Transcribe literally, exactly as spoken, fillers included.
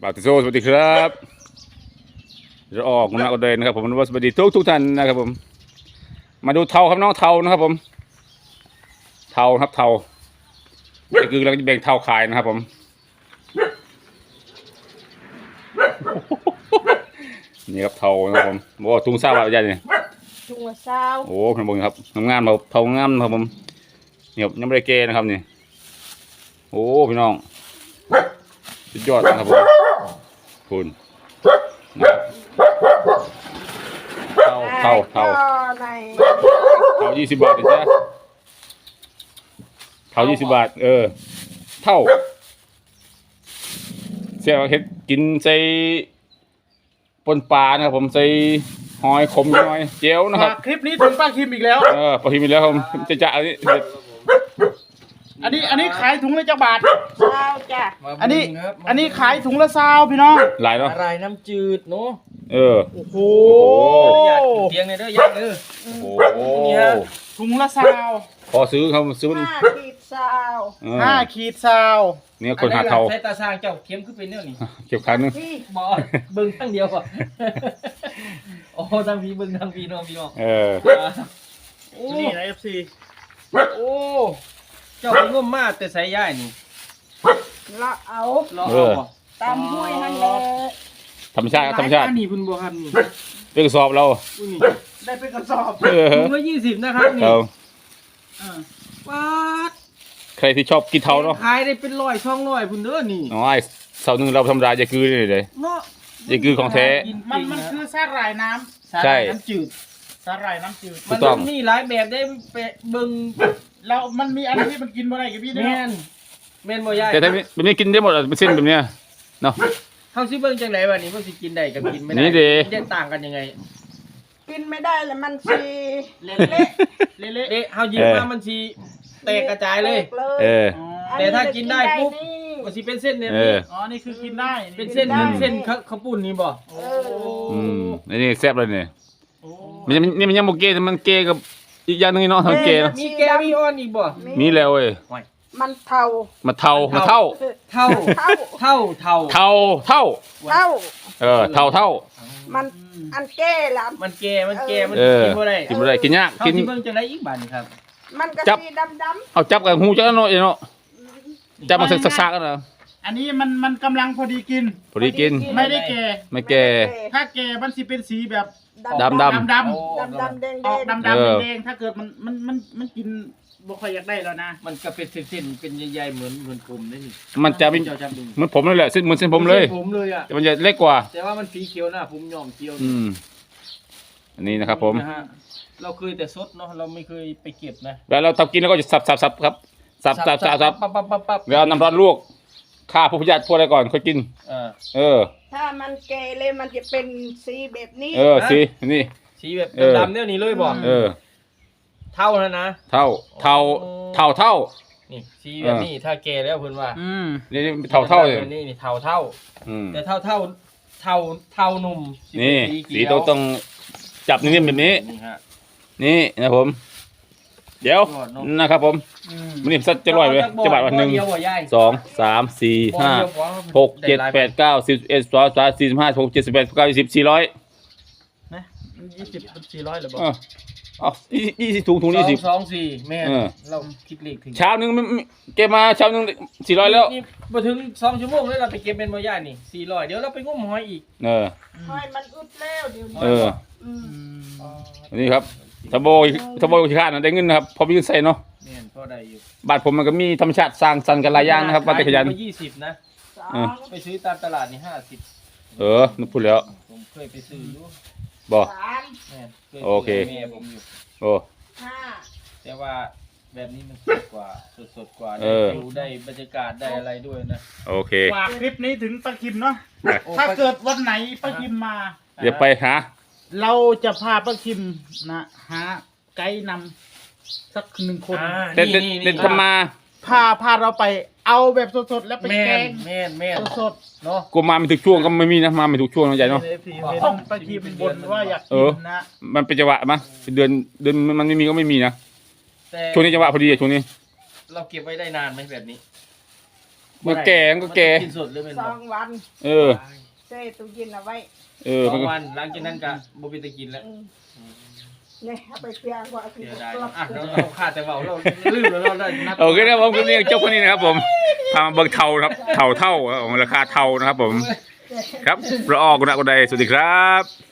บาติโซสวัสดีครับจะออกมาอุดรนะครับผมสวัสดีทุกทุกท่านนะครับผมมาดูเทาครับน้องเทานะครับผมเทาครับเทานี่คือเราจะแบ่งเทาขายนะครับผมนี่ครับเทานะครับผมบอกว่าทุ่งซาบะใหญ่เนี่ยจุงละเศร้าโอ้ขนมบงครับงามๆเราเทางามนะครับผมเนี่ยยังไม่ได้เกนะครับนี่โอ้พี่น้องสุดยอดนะครับผมคุณเท่าเท่าเท่าในเท่ายี่สิบบาทเลยจ้ะเท่ายี่สิบบาทเออเท่าเสี่ยเฮ็ดกินใส่ปนปลานะครับผมใส่หอยขมน้อยเจียวนะครับคลิปนี้ถึงป้าคิมอีกแล้วเออพอทีมีแล้วครับจะจะอันนี้อันนี้อันนี้ขายถุงละจักบาทเศร้าจ้ะอันนี้อันนี้ขายถุงละซาวพี่น้องหลายเนาะอะไรน้ำจืดเนาะเออโอ้โหอยากกินเตียงเลยเด้ออยากเด้อโอ้โหนี่ฮะถุงละซาวพอซื้อเขาซื้อมันห้าขีดเศร้าเออห้าขีดซาวเนี่ยคนหาเทาใช้ตาสร้างเจ้าเข็มขึ้นเป็นเนี่ยนี่เก็บครั้งนึงที่บอเบิ่งทั้งเดียวอ่ะโอ้ทั้งพี่เบิ่งทั้งพี่น้องพี่น้องเออโอ้นี่นะเอฟซีโอ้เจ้าไปง่มมากแต่ใส่ย่ายนี่ละเอารอเอาบ่ตามห้วยหันเลยธรรมชาติครับธรรมชาติอันนี้เพุ่นบ่ครับนี่เป็นกระสอบเราอุ้ยนี่ได้เป็นกระสอบเออถุงละยี่สิบนะครับนี่เราอ่าป๊าดใครที่ชอบกินเทาเนาะขายได้เป็นร้อยช่องร้อยพุ่นเด้อนี่น้อยเสาหนึ่งเราธรรมดาจะคือนี่เลยเนาะนี่คือของแท้มันมันคือสาหร่ายน้ำใช่น้ำจืดสาหร่ายน้ำจืดถูมันกต้องมีหลายแบบได้ไปเบิ่งแล้วมันมีอันที่มันกินบ่ได้กับพี่ด้วยแม่เนาะนแม่นบ่ยายแต่ถ้าแบบนี้กินได้หมดอะเป็นเส้นแบบเนี้ยเนาะเฮาสิเบิ่งจังไดวะนี่ว่าสิกินได้กับกินไม่ได้นี่ดิมันจะต่างกันยังไงกินไม่ได้แล้วมันสีเละเละเละเละเอ๊ะเฮาหยิบมามันสิแตกกระจายเลยเลยเอออ๋อแต่ถ้ากินได้ปุ๊บนี่มันสิเป็นเส้นเนี่ยเอออ๋อนี่คือกินได้เป็นเส้นเหมือนเส้นข้าวข้าวปุ้นนี่บ่เอออืมอันนี้แซ่บเลยเนี่ยโอ้มันยังนี่มันยังโมเกแต่มันเกกับอีกอย่างหนึงเนาะทางเกเนาะมีแกมีอ้อนอีกบ่มีแล้วเว้ยมันเทามาเทามาเท่าเท่าเท่าเท่าเท่าเทาเท่าเท่าเออเท่าเท่ามันอันแก้ละมันแกมันแกมันเออกินบ่ได้กินไม่ได้กินยากเฮากินสิเบิ่งจังไดอีกบาดนี่ครับมันก็จับสีดำดเอาจับกับหูจับกันหน่อยเนาะจับมาสักสักๆกันนะอันนี้มันมันกำลังพอดีกินพอดีกินไม่ได้แก่ไม่ำแก่ถ้าแก่มันสิเป็นสีแบบดำดำดำโอ้ดำดำแดงออกแดงดำเออดำแดงๆถ้าเกิดมันมันมันมันกินบ่ค่อยอยากได้แล้วนะมันก็เป็นเส้นๆเป็นใหญ่ๆเหมือนเหมือนผมนี่นี่มันจะเป็นเจ้าจับดูเหมือนผมเลยแหละเส้นเหมือนเส้นผมเลยส้นผมเลยอ่ะแต่มันจะเล็กกว่าแต่ว่ามันสีเขียวหน้าผมยอมเขียวอืมอันนี้นะครับผมนะฮะเราเคยแต่สดเนาะเราไม่เคยไปเก็บนะแล้วเราทำกินแล้วก็จะสับสับสับครับสับสับสับสับปั๊บปั๊บปั๊บปั๊บแล้วเอาน้ำร้อนลวกฆ่าพวกพยาธิพวกอะไรก่อนค่อยกินอ่าเออถ้ามันแก่เลยมันจะเป็นสีแบบนี้เออสินี่สีแบบเออดำๆเนี่ยนี่เลยบ่เออเท่านั้นนะเท่าเท่าเท่าเท่านี่สีแบบนี้ถ้าแก่แล้วเพิ่นว่าอืมนี่นี่เท่าเท่าเลยแบบนี่นี่เท่าเท่าอืมแต่เท่าเท่าเท่าเท่าหนุ่มนี่เป็สีเขียวต้องต้องจับนิ่มๆแบบนี้นี่ฮะนี่นะครับผม เดี๋ยวยอดเนอะนะครับผมอืมมันนี่สักจะร่อยเลยจะบาทวันหนึ่งบ่เดียวบ่ยายสองสามสี่บ่ห้าเดียวบ่หกเจ็ดแปดเก้าสิบเอ็ดสองสามสี่สิบห้าหกเจ็ดสิบแปดเก้ายี่สิบสี่ร้อยนะยี่สิบสี่ร้อยหรือเปล่าเออเอายี่ยี่สิบถุงถุงยี่สิบสองสี่แม่นเออเราคิดเลขถึงเช้าหนึ่งไม่ไม่เก็บมาเช้าหนึ่งสี่ร้อยแล้วนี่บ่ถึงสองชั่วโมงเลยเราไปเก็บเป็นบ่ยายนี่สี่ร้อยเดี๋ยวเราไปงมหอยอีกเออห้อยมันอึดแล้วเดี๋ยวนี้เอออืมอืมอันนี้ครับทบโบยทบโบยขี้ข้านนะได้เงินนะครับพอมีเงินใส่เนาะแม่นพอได้อยู่บ้านผมมันก็มีธรรมชาติสร้างสรรค์กันหลายอย่างนะครับบ้านแต่ขยันขายถุงละยี่สิบนะสอเอองไปซื้อตามตลาดนี่ห้าสิบเออนึกพูดแล้วผมเคยไปซื้ออยู่บอกสามแม่นยโอเคซื้ให้แม่ผมอยู่โอ้ห้าแต่ว่าแบบนี้มันสดกว่าสดสดกว่าเอได้อดูได้บรรยากาศได้อะไรด้วยนะโอเคฝากคลิปนี้ถึงป้าคิมเนาะโอ้ถ้าไปเกิดวันไหนป้าคิมมาเดี๋ยวไปหาเราจะพาป้าคิมนะหาไกด์นำสักหนึ่งคนอ่าเด็ดเด็ดเด็ดทำมาพาพาเราไปเอาแบบสดๆแล้วไปแม่แกนงแม่นแม่นสดเนาะกูมาไม่ถูกช่วงก็ไม่มีนะมาไม่ถูกช่วงนะใหญ่เนาะๆต้องป้าคิมบนว่าอยากเอกิอนนะมันเป็นจังหวะมั้ยเดือนเดือนมันไม่มีก็ไม่มีนะแต่ช่วงนี้จังหวะพอดีอะช่วงนี้เราเก็บไว้ได้นานไหมแบบนี้มันแก่มันก็แก่กินสดเลยเป็นสบ่องวันเออเซ่ตู้เย็นเอาไว้เออสอมันงก็วันหลังจากนั้นก็บ่มีตะกินแล้วอืมเนี่ยเอาไปเพียงกว่าที่เสียดายกลับอ่ะเราเราขาดแต่เบาเราลืมแล้วเราได้นับโอเคนะครับผมคลิปนี้จบแค่นี้นะครับผมพามาเบิ่งเทาครับเทาเท่าของราคาเทานะครับผม ครับละออกกุณะกุณใดสวัสดีครับ